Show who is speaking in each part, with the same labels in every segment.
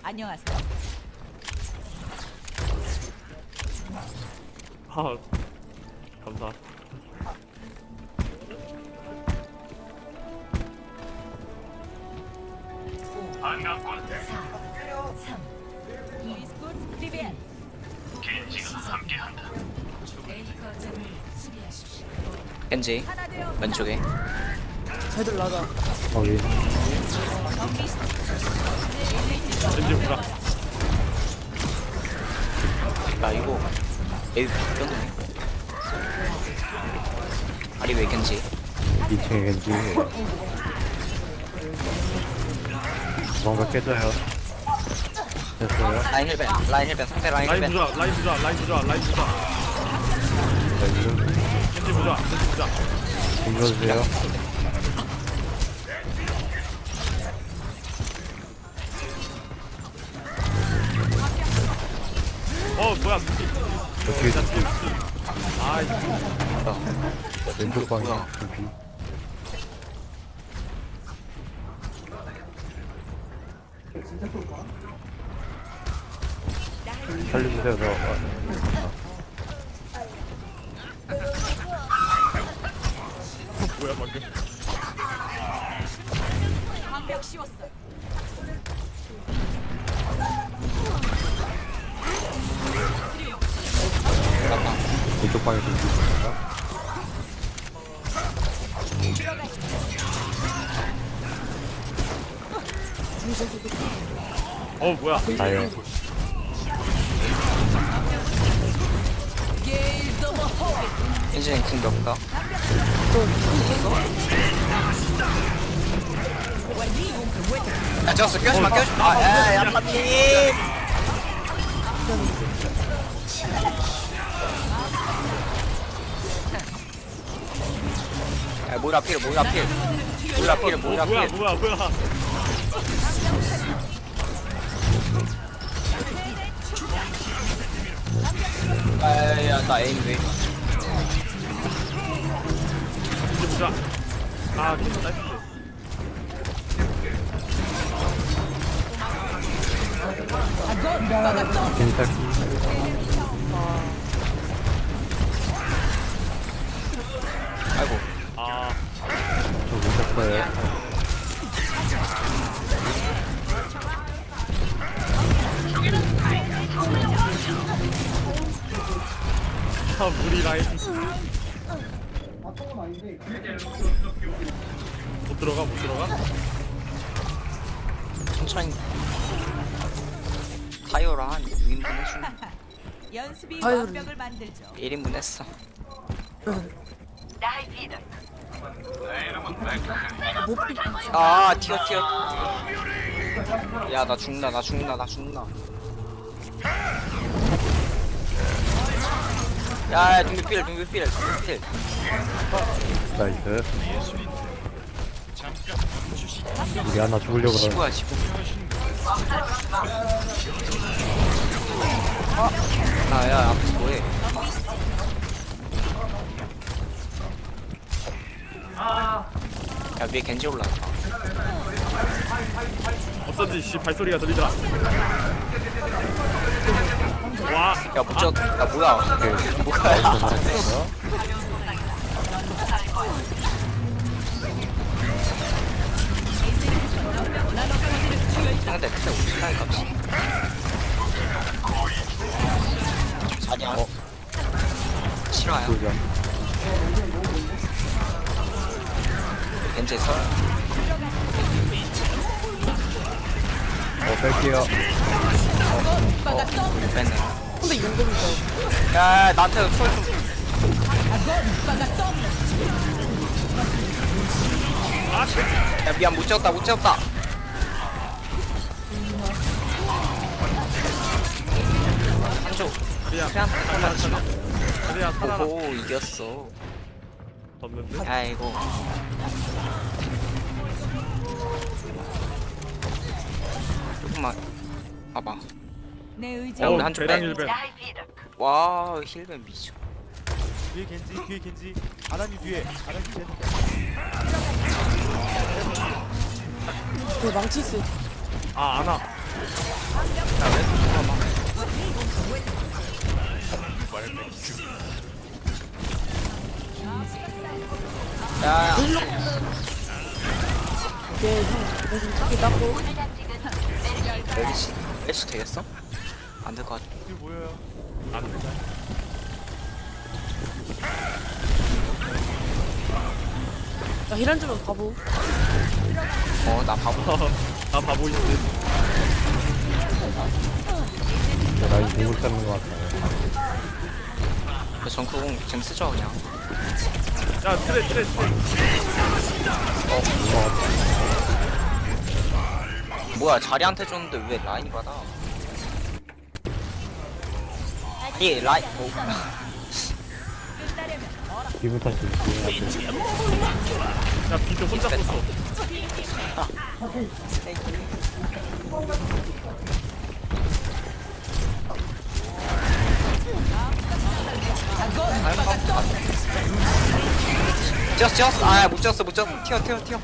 Speaker 1: 안녕하세요.
Speaker 2: 아 감사.
Speaker 3: 반갑군.
Speaker 1: 3, 2, 스쿠트 프리비안.
Speaker 3: 겐지가 함께한다.
Speaker 4: 겐지
Speaker 1: 하나 되어
Speaker 4: 왼쪽에
Speaker 5: 쟤들 나가.
Speaker 6: 거기
Speaker 2: 겐지 보자.
Speaker 4: 나 이거 에이 꼈네. 아리 왜 겐지
Speaker 6: 2층에 겐지 뭔가 깨져요. 됐어요.
Speaker 4: 라인 힐벤 상대 라인
Speaker 2: 라인
Speaker 4: 힐벤
Speaker 2: 부자, 라인 부자, 라인 부자, 라인 부자.
Speaker 6: 나이스.
Speaker 2: 겐지 부자, 겐지 부자.
Speaker 6: 이겨주세요.
Speaker 2: 뭐야?
Speaker 6: 어떻게
Speaker 2: 아,
Speaker 6: 왼쪽 방향
Speaker 4: 뭐야?
Speaker 6: 준비. 살려주세요.
Speaker 2: 뭐야 방금?
Speaker 1: 방벽 씌웠어요.
Speaker 6: 왼쪽 방향 준비.
Speaker 2: 뭐야?
Speaker 6: 나요.
Speaker 4: 겐지는 궁 몇가 야 졌어 껴지마 아야 야파님 야 모이라 필
Speaker 2: 뭐야,
Speaker 4: 모이라 필
Speaker 2: 뭐야?
Speaker 4: 야야야 나 에임 왜
Speaker 2: 겐지 부자. 아, 겐지 나이스.
Speaker 6: 겐지 딸기.
Speaker 4: 아이고
Speaker 2: 아,
Speaker 6: 저 왼쪽
Speaker 2: 무리 라인. 못 들어가, 못 들어가?
Speaker 4: 천천히 타이어라 한 2인분 해주면
Speaker 1: 연습이
Speaker 5: 아유.
Speaker 1: 완벽을 만들죠.
Speaker 4: 1인분 했어
Speaker 5: 못 삐.
Speaker 4: 아 튀어 야 나 죽나 야 둥비필
Speaker 6: 나이스. 우리 하나 죽으려고 그러는.
Speaker 4: 지구야 지구 아야 앞에서 뭐해 야 위에 겐지 올라왔다
Speaker 2: 어쩐지 씨 발소리가 들리더라. 와,
Speaker 4: 야 무적 야 뭐야 뭐야 상대 그때 우리 시간이 값이 자냐 싫어요
Speaker 6: 보자.
Speaker 4: 겐지 설
Speaker 6: 뺄게요.
Speaker 4: 뺐네
Speaker 5: 근데 용검이다.
Speaker 4: 야 나한테 솔좀 야 미안 못 채웠다 한조
Speaker 2: 그래야,
Speaker 4: 그냥 잠깐만
Speaker 2: 그래야 살아라.
Speaker 4: 오호 이겼어
Speaker 2: 졌는데?
Speaker 4: 아이고 조금만 봐봐
Speaker 1: 내 의지.
Speaker 4: 야, 우리 한쪽
Speaker 2: 대량
Speaker 4: 빼.
Speaker 2: 일벤.
Speaker 4: 와 힐벤 미쳐
Speaker 7: 뒤에 겐지 아나님 뒤에 아나님 뒤에
Speaker 5: 그 망치 있어.
Speaker 2: 아, 안아.
Speaker 4: 야왜 잠깐만. 야,
Speaker 5: 얘 형, 무슨 taki 닦고.
Speaker 4: 멜시 되겠어? 안 될 것 같아.
Speaker 7: 뒤 보여요.
Speaker 2: 안 된다.
Speaker 5: 야, 힐한 주면 바보.
Speaker 4: 나 바보.
Speaker 2: 아 바보 있네.
Speaker 6: 라인 공을 잡는 것 같아요.
Speaker 4: 그 정크공 지금 쓰죠 그냥.
Speaker 2: 야 트레.
Speaker 4: 뭐야 자리한테 줬는데 왜 라인이 받아? 이 라인.
Speaker 6: 기분 탓이 있어요.
Speaker 2: 야 비트 혼자 썼어.
Speaker 4: 찍었어. 아못 찍었어. 튀어.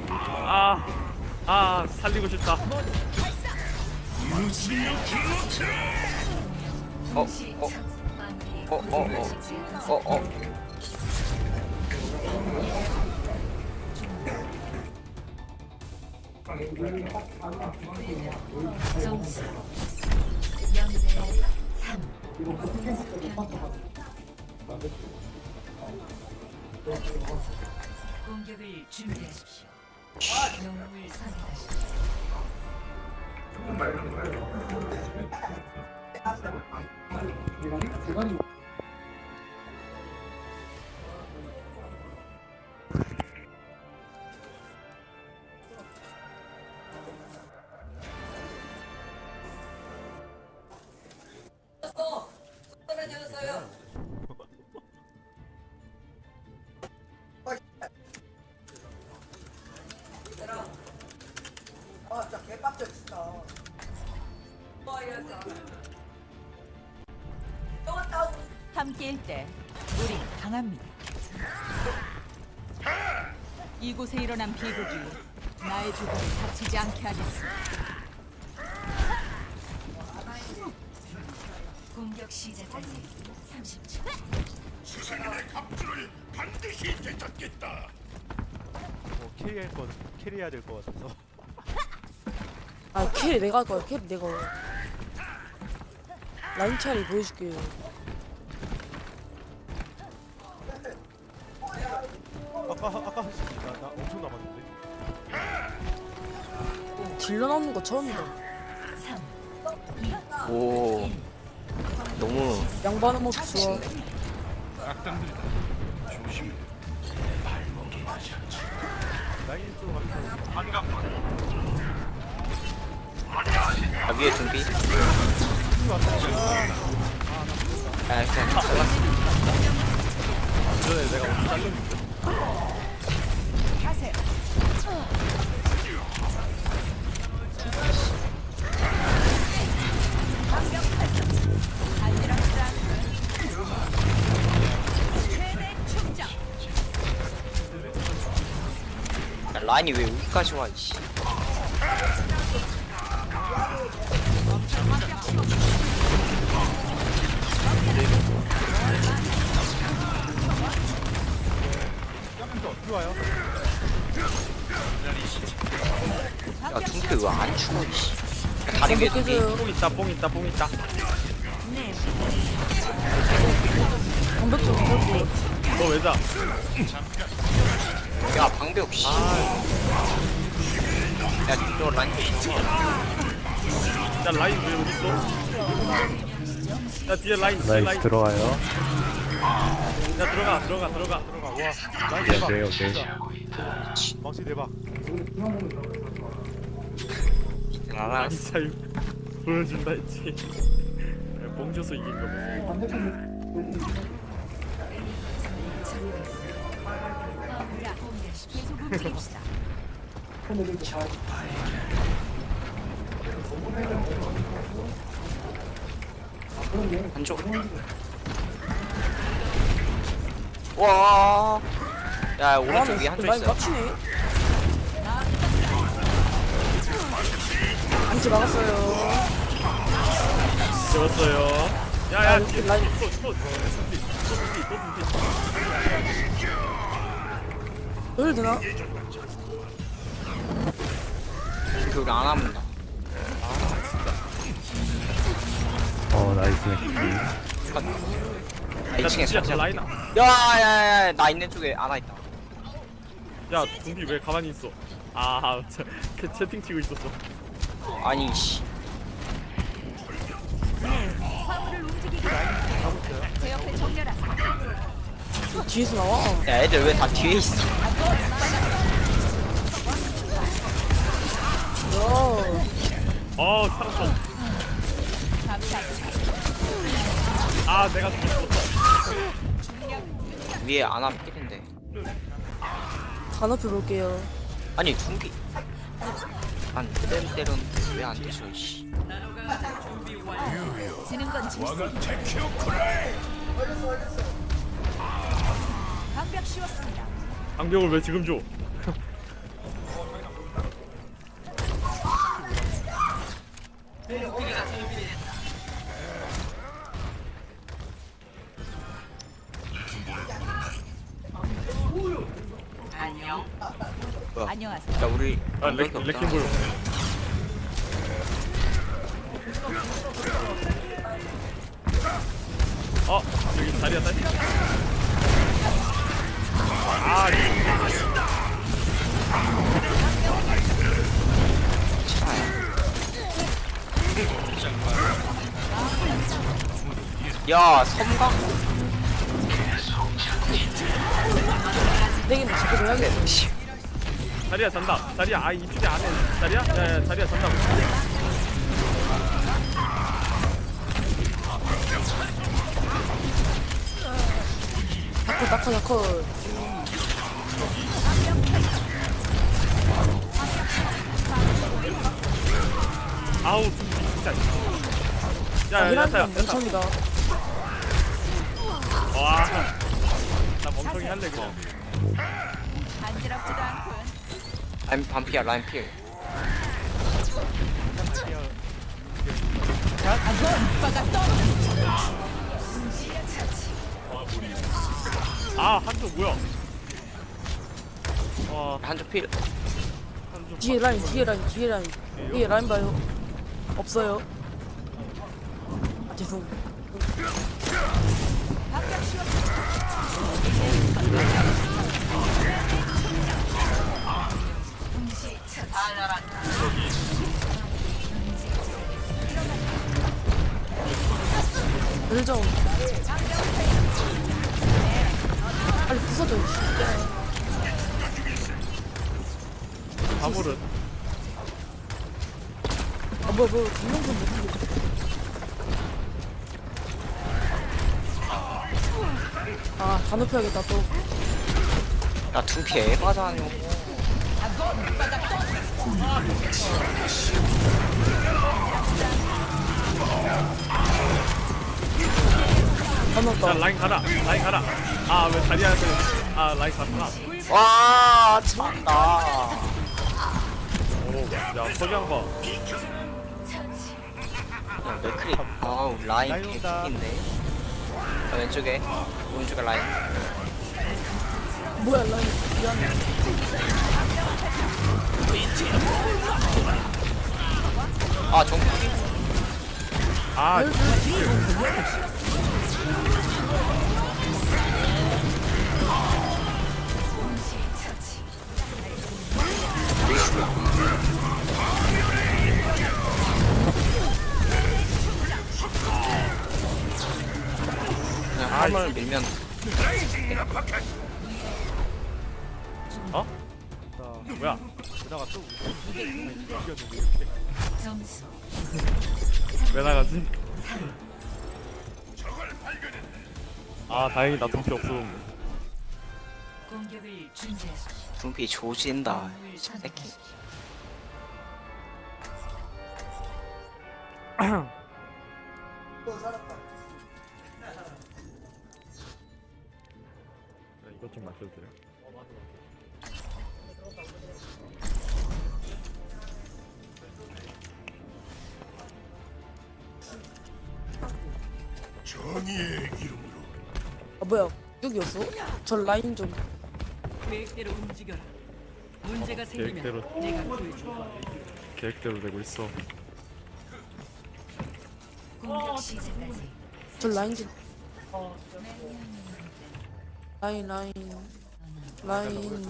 Speaker 2: 아 살리고 싶다.
Speaker 4: 어.
Speaker 8: 점수 0대 3. 공격을 준비하십시오. 영웅을 선택하십시오.
Speaker 1: 함께일 때 우린 강합니다. 이곳에 일어난 비극이 나의 조국을 다치지 않게 하겠습니다.
Speaker 8: 공격 시작까지 30초.
Speaker 7: 캐리해야 될 것 같아서.
Speaker 5: 아, 캐리 내가 할 거야. 캐리 내가. 라인 차리 보여줄게.
Speaker 7: 아까 나 엄청 남았는데.
Speaker 5: 딜러 나오는 거 처음이다.
Speaker 4: 오. 너무
Speaker 5: 양반은 모습 좋아.
Speaker 7: 라인 쪽 가면서
Speaker 4: 위에 준비. 그냥 잘랐어.
Speaker 2: 전에 내가 어디 잘렸는데.
Speaker 1: 가세요.
Speaker 4: 야, 라인이 왜 여기까지 와 이씨.
Speaker 7: 어떻게 와요?
Speaker 4: 야 중태 왜 안 죽어 이씨. 다리 위에 준비.
Speaker 5: 해줘요.
Speaker 2: 뽕 있다.
Speaker 5: 방벽 좀 해줘.
Speaker 2: 너 왜자?
Speaker 4: 야 방벽 씨. 야너 라인
Speaker 2: 야 라인 왜 여기 있어? 야 뒤에 라인.
Speaker 6: 나이스 들어가요.
Speaker 2: 야 들어가.
Speaker 7: 와 라인
Speaker 6: 네,
Speaker 7: 대박.
Speaker 6: 오케이.
Speaker 7: 진짜. 망치 대박.
Speaker 4: 알아.
Speaker 2: 라인 차이 보여준다 했지. 뽕 줘서 이긴 거 보지.
Speaker 1: 계속 움직입시다.
Speaker 4: 한쪽. 와. 야 오른쪽 위에 한쪽
Speaker 5: 많이
Speaker 4: 있어요.
Speaker 5: 맞추네. 안지 막았어요.
Speaker 2: 재웠어요. 야야 뒤에
Speaker 5: 라인.
Speaker 2: 또 준비.
Speaker 5: 열 되나?
Speaker 4: 그 우리 안 하면 다
Speaker 6: 나이스.
Speaker 4: 2층에
Speaker 2: 진짜
Speaker 4: 살짝
Speaker 2: 라인.
Speaker 4: 야야야 나 있는 쪽에 안와 있다.
Speaker 2: 야 준비 왜 가만히 있어? 채팅 치고 있었어.
Speaker 4: 아니 씨
Speaker 1: 제 옆에 정렬하세요.
Speaker 5: 뒤에서 나와.
Speaker 4: 야 애들 왜 다 뒤에 있어?
Speaker 2: 살았어.
Speaker 1: 감사합니다.
Speaker 2: 내가 죽었어.
Speaker 4: 위에 안 하면 끼는데.
Speaker 5: 다 높여 볼게요.
Speaker 4: 아니 둥기 안 때론 왜안 되죠 씨.
Speaker 1: 지는 건 질서. 방벽 씌웠습니다.
Speaker 2: 방벽을 왜 지금 줘?
Speaker 1: 안녕하세요.
Speaker 4: 야 우리
Speaker 2: 레킹볼. 여기 자리야 딸.
Speaker 4: 야 섬광
Speaker 5: 내기는 자꾸 해야겠어.
Speaker 2: 자리야 잔다. 자리야 이쪽에 안에 자리야? 야야 자리야 잔다고.
Speaker 5: 다커.
Speaker 2: 아우 진짜. 야야
Speaker 5: 이란다
Speaker 2: 야타야.
Speaker 5: 멍청이다.
Speaker 2: 나 멍청이 할래 그냥.
Speaker 1: 간지럽지도 않군.
Speaker 4: 라인 반피야 라인 필.
Speaker 2: 한쪽 뭐야?
Speaker 4: 한쪽 필.
Speaker 2: 한쪽.
Speaker 5: 뒤에 라인 봐요. 없어요. 죄송.
Speaker 1: 방벽 씌웠습니다.
Speaker 5: 열정. 빨리 부숴줘.
Speaker 2: 바보를.
Speaker 5: 뭐야 분명히 못하겠다. 다 높여야겠다 또.
Speaker 4: 야 둥피 에바잖여.
Speaker 5: 다 넣었다.
Speaker 2: 야 라인 가라. 왜 자리야한테 라인 갔구나.
Speaker 4: 와 참다.
Speaker 2: 야 석양 봐.
Speaker 4: 야 맥크리. 아우 라인
Speaker 7: 라인 온다.
Speaker 4: 개인데. 왼쪽에 오른쪽에 라인.
Speaker 5: 뭐야 라인. 미안해.
Speaker 4: 정국이. 그냥 화물 밀면
Speaker 2: 뭐야?
Speaker 7: 그다가 또 이겼는데 이렇게.
Speaker 8: 점수
Speaker 2: 왜 나가지? 다행이다. 돈피 없음.
Speaker 8: 공격을 준비하십시오.
Speaker 4: 둥피 조진다.
Speaker 8: 영웅을
Speaker 4: 새끼.
Speaker 8: 선택하십시오.
Speaker 2: 이것 좀 마셔도 돼요?
Speaker 5: 아 뭐야 여기였어? 저 라인 좀
Speaker 1: 계획대로 움직여라. 문제가 생기면
Speaker 2: 계획대로.
Speaker 1: 내가 구해줘.
Speaker 2: 계획대로 되고 있어.
Speaker 8: 공격 시작까지
Speaker 5: 저 라인 좀 라인 라인 라인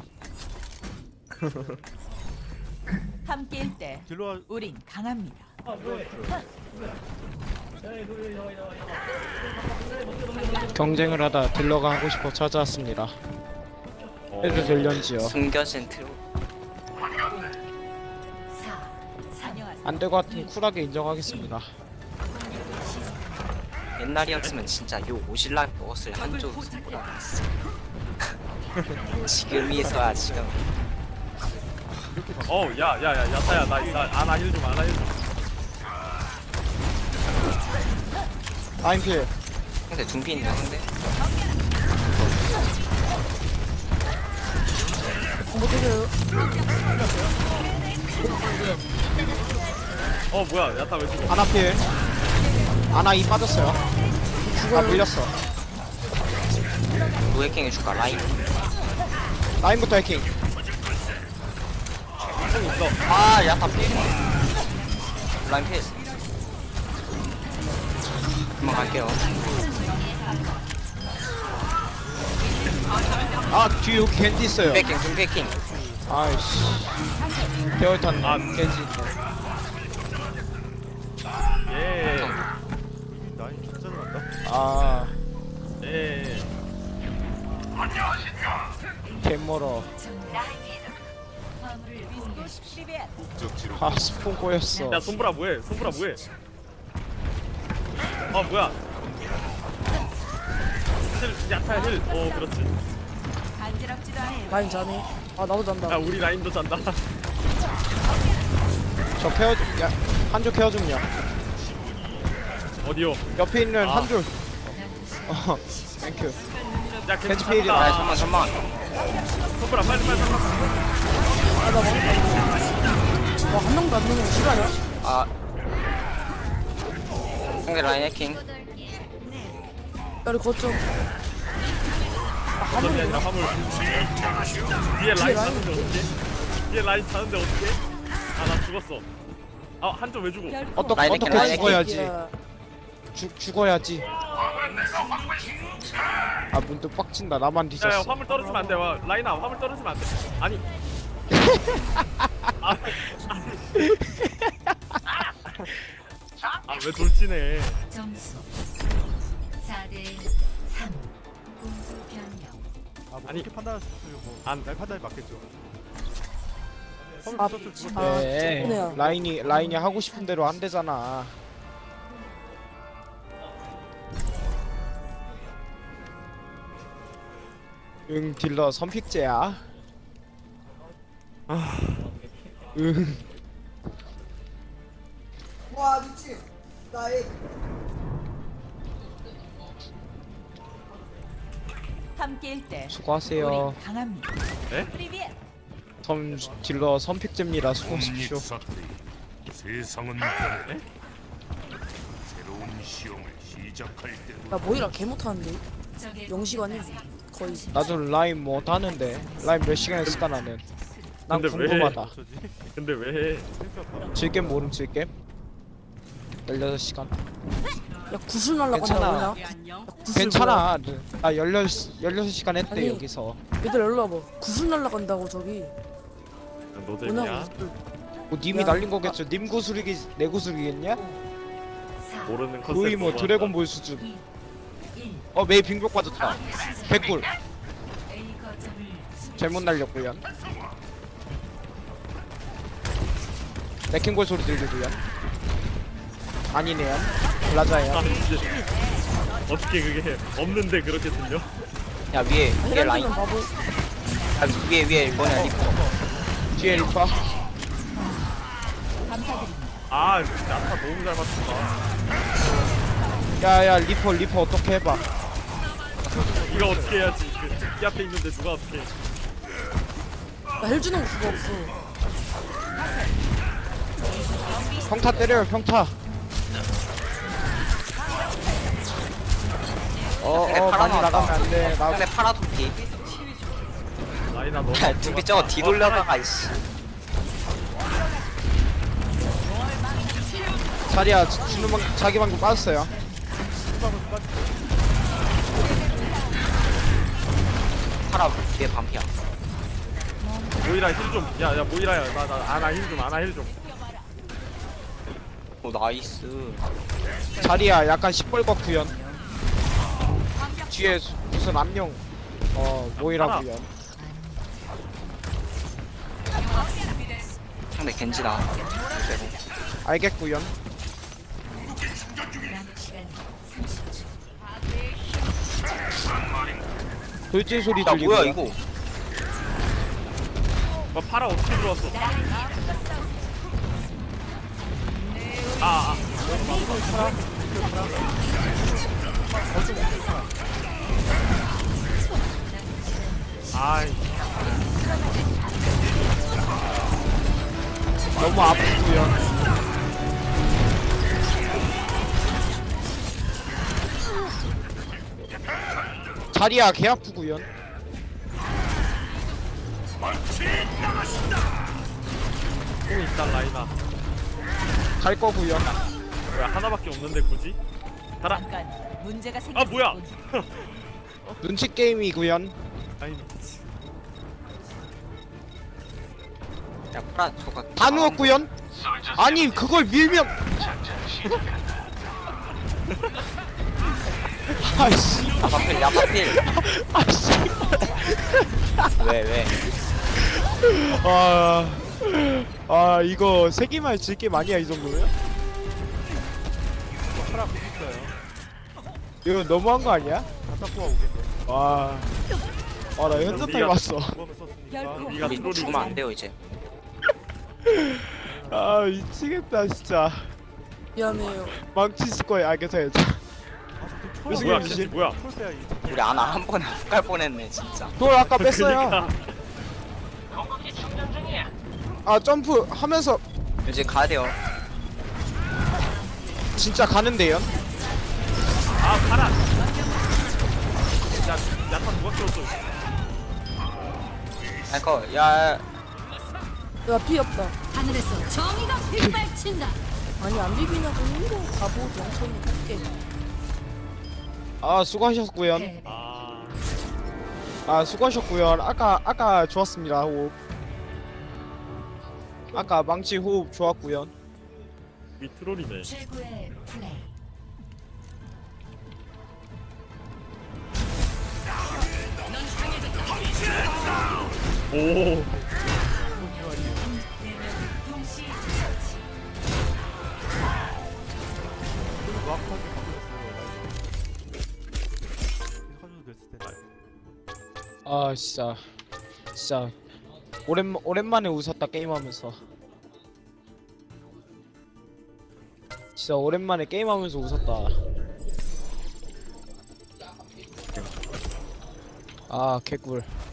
Speaker 1: 함께일 때
Speaker 7: 딜러가
Speaker 1: 우린 강합니다.
Speaker 9: 경쟁을 하다 딜러가 하고 싶어 찾아왔습니다. 해도 될련지요.
Speaker 4: 숨겨진 트로.
Speaker 8: 4
Speaker 1: 안녕하세요.
Speaker 9: 안 될 것 같으면 쿨하게 인정하겠습니다.
Speaker 4: 옛날이었으면 진짜 요 오실라 버스를 한쪽 손보라 봤어. 지금이서야 지금.
Speaker 2: 야타야 나 아나 힐 좀.
Speaker 9: 라인 필.
Speaker 4: 근데 둥피인데 근데.
Speaker 5: 못 때려요.
Speaker 2: 뭐야 야타 왜 죽어?
Speaker 9: 아나 필. 아나 이 빠졌어요. 아 밀렸어.
Speaker 4: 로 해킹 해줄까 라인.
Speaker 9: 라인부터 해킹.
Speaker 4: 아 야타 필. 라인 필. 금방 갈게요.
Speaker 9: 아 뒤에 여기 겐지 있어요.
Speaker 4: 둥피 해킹.
Speaker 9: 아이씨. 개월탄 겐지 있네.
Speaker 2: 예.
Speaker 7: 라인 진짜 잘한다.
Speaker 9: 아
Speaker 2: 예.
Speaker 9: 개멀어.
Speaker 8: 화물을 공유하십시오.
Speaker 9: 아 스폰 꼬였어.
Speaker 2: 야 손브라 뭐해? 뭐야? 야타 힐. 그렇지.
Speaker 1: 간지럽지도 않아요.
Speaker 5: 라인 자네. 아 나도 잔다.
Speaker 2: 야 우리 라인도 잔다.
Speaker 9: 저 케어 좀. 야 한조 케어 좀요.
Speaker 2: 어디요?
Speaker 9: 옆에 있는 한조. 땡큐.
Speaker 2: 야
Speaker 9: 벤치
Speaker 2: 겐지
Speaker 9: 필이야.
Speaker 4: 아
Speaker 2: 잡았다.
Speaker 4: 잠만.
Speaker 2: 손브라 빨리.
Speaker 5: 와한 명도 안 넣는 거 싫어요?
Speaker 4: 아 상대 라인 해킹.
Speaker 5: 야 우리 거점.
Speaker 2: 어차피 아니라 화물. 뒤에 라인 자는데 어떡해? 뒤에 라인 자는데 어떡해? 나 죽었어. 한점 왜 죽어?
Speaker 9: 어떻게
Speaker 4: 라인 해킹.
Speaker 9: 죽어야지.
Speaker 5: 야,
Speaker 9: 죽어야지. 아 문득 빡친다. 나만
Speaker 2: 야
Speaker 9: 뒤졌어.
Speaker 2: 화물 떨어지면 안 돼. 라인아 화물 떨어지면 안 돼. 아니. 왜 돌진해?
Speaker 8: 점수 4대 3 공수 변경.
Speaker 7: 뭐
Speaker 2: 아니.
Speaker 7: 그렇게 판단하셨으면
Speaker 2: 안.
Speaker 7: 날 판단이 맞겠죠.
Speaker 5: 아,
Speaker 7: 화물 붙었을
Speaker 5: 아,
Speaker 9: 네.
Speaker 5: 좋네요.
Speaker 9: 라인이 하고 싶은 대로 안 되잖아. 응 딜러 선픽제야. 응.
Speaker 1: 함께일 때
Speaker 9: 수고하세요.
Speaker 1: 우린 강합니다.
Speaker 2: 네?
Speaker 1: 프리비엣.
Speaker 9: 딜러 선픽제입니다. 수고하십시오.
Speaker 3: 세상은 변해. 새로운 시험을 시작할 때
Speaker 5: 나 모이라 개 못하는데.
Speaker 8: 적의
Speaker 5: 영시간이
Speaker 8: 공격까지
Speaker 5: 거의.
Speaker 9: 나도 라인 못 하는데 라인 몇 시간 했을까 나는. 난
Speaker 2: 근데 왜?
Speaker 9: 궁금하다.
Speaker 7: 어쩌지?
Speaker 2: 근데 왜 해?
Speaker 9: 질겜 모름 질겜. 16시간.
Speaker 5: 야 구슬 날라간다
Speaker 9: 괜찮아.
Speaker 5: 뭐냐?
Speaker 1: 안녕.
Speaker 5: 구슬
Speaker 9: 괜찮아. 나 16시간 했대
Speaker 5: 아니.
Speaker 9: 여기서.
Speaker 5: 뭐야? 얘들 일로 와봐. 구슬 날라간다고 저기.
Speaker 2: 노잼이야?
Speaker 5: 뭐냐고.
Speaker 9: 뭐 님이
Speaker 5: 야.
Speaker 9: 날린 거겠죠. 님 구슬이기 내 구슬이겠냐?
Speaker 8: 4
Speaker 2: 모르는 컨셉.
Speaker 9: 거의 뭐 드래곤볼 수준. 메이 빙벽 빠졌다. 개꿀.
Speaker 8: A 거점을
Speaker 9: 잘못 날렸구요. 레킹볼 소리 들리고요. 아니네요. 라자예요.
Speaker 2: 이제 어떻게 그게 없는데 그렇게 들려?
Speaker 4: 야 위에 라인.
Speaker 5: 헤란드는 바보.
Speaker 4: 위에 뭐냐 리퍼.
Speaker 9: 뒤에 리파.
Speaker 1: 감사드립니다.
Speaker 2: 야타 너무 잘 맞춘다.
Speaker 9: 야야 리퍼 어떻게 해봐.
Speaker 2: 이거 어떻게 해야지? 이 앞에 있는데 누가 어떻게 해?
Speaker 5: 나힐 주는 거 그거 없어.
Speaker 9: 평타 때려요 평타.
Speaker 4: 파라
Speaker 9: 많이 나가면 안 돼. 나
Speaker 4: 근데 파라 둠피.
Speaker 2: 라인아 너무
Speaker 4: 둠피 저거 뒤돌려다가 이씨.
Speaker 9: 자리야 주는 방 자기 방금 빠졌어요.
Speaker 4: 파라 뒤에 반피야.
Speaker 2: 모이라 힐좀 야야 모이라야 나 아나 힐좀 아나 힐좀
Speaker 4: 오 나이스.
Speaker 9: 자리야 약간 시뻘겋 구현. 뒤에 무슨 암령 모이라 구현.
Speaker 4: 상대 겐지다. 그리고
Speaker 9: 알겠구현.
Speaker 8: 남은 시간 30초.
Speaker 9: 돌진 소리
Speaker 4: 야
Speaker 9: 들리고.
Speaker 4: 뭐야 이거?
Speaker 2: 파라 어떻게 들어왔어 아 아이
Speaker 9: 너무 아프구요. 자리야 개 아프구요.
Speaker 2: 또 있다 라인아
Speaker 9: 갈 거구요.
Speaker 2: 왜 하나밖에 없는데 굳이 가라
Speaker 1: 잠깐 문제가 생겼.
Speaker 2: 아 뭐야
Speaker 9: 눈치 게임이구요.
Speaker 2: 아니
Speaker 4: 야 파라 저거
Speaker 9: 다 누웠구요. 아니 그걸 밀면. 아씨.
Speaker 4: 야파필 야파필.
Speaker 9: 아씨.
Speaker 4: 왜?
Speaker 9: 아 이거 세기말 질게임 아니야 이 정도면?
Speaker 7: 파라 공 있어요.
Speaker 9: 이거 너무한 거 아니야?
Speaker 7: 다타쿠가 오겠네.
Speaker 9: 와. 나 현자타임 왔어.
Speaker 7: 공법을 썼으니까.
Speaker 1: 결코
Speaker 2: 네가
Speaker 4: 우리
Speaker 2: 트롤이
Speaker 4: 죽으면 안 돼요 이제.
Speaker 9: 아 미치겠다 진짜.
Speaker 5: 미안해요.
Speaker 9: 망치 있을 거야. 알겠어야지. 무슨
Speaker 2: 뭐야
Speaker 9: 일이지?
Speaker 2: 캔지 뭐야
Speaker 7: 콜빼야지.
Speaker 4: 우리 아나 한 번에 훅 갈 뻔했네 진짜.
Speaker 9: 그걸 아까 뺐어요.
Speaker 2: 그러니까.
Speaker 9: 아 점프 하면서
Speaker 4: 이제 가야 돼요.
Speaker 9: 진짜 가는데요?
Speaker 2: 아 파라 야타 누가 키웠어
Speaker 4: 아이커 야
Speaker 5: 야 피 없다.
Speaker 8: 하늘에서 정의가 빗발친다.
Speaker 5: 아니 안 비비냐고 이거 바보 멍청이 할게.
Speaker 9: 아 수고하셨구요.
Speaker 8: 패배.
Speaker 2: 아
Speaker 9: 수고하셨구요. 아까 좋았습니다 호흡. 아까 망치 호흡 좋았구요.
Speaker 2: 이 트롤이네
Speaker 8: 최고의 플레이.
Speaker 2: 오
Speaker 8: 동시 처치.
Speaker 7: 정확하게 바꾸셨어요. 해줘도 됐을 텐데.
Speaker 9: 아 진짜 오랜만에 웃었다 게임하면서. 진짜 오랜만에 게임하면서 웃었다. 아 개꿀.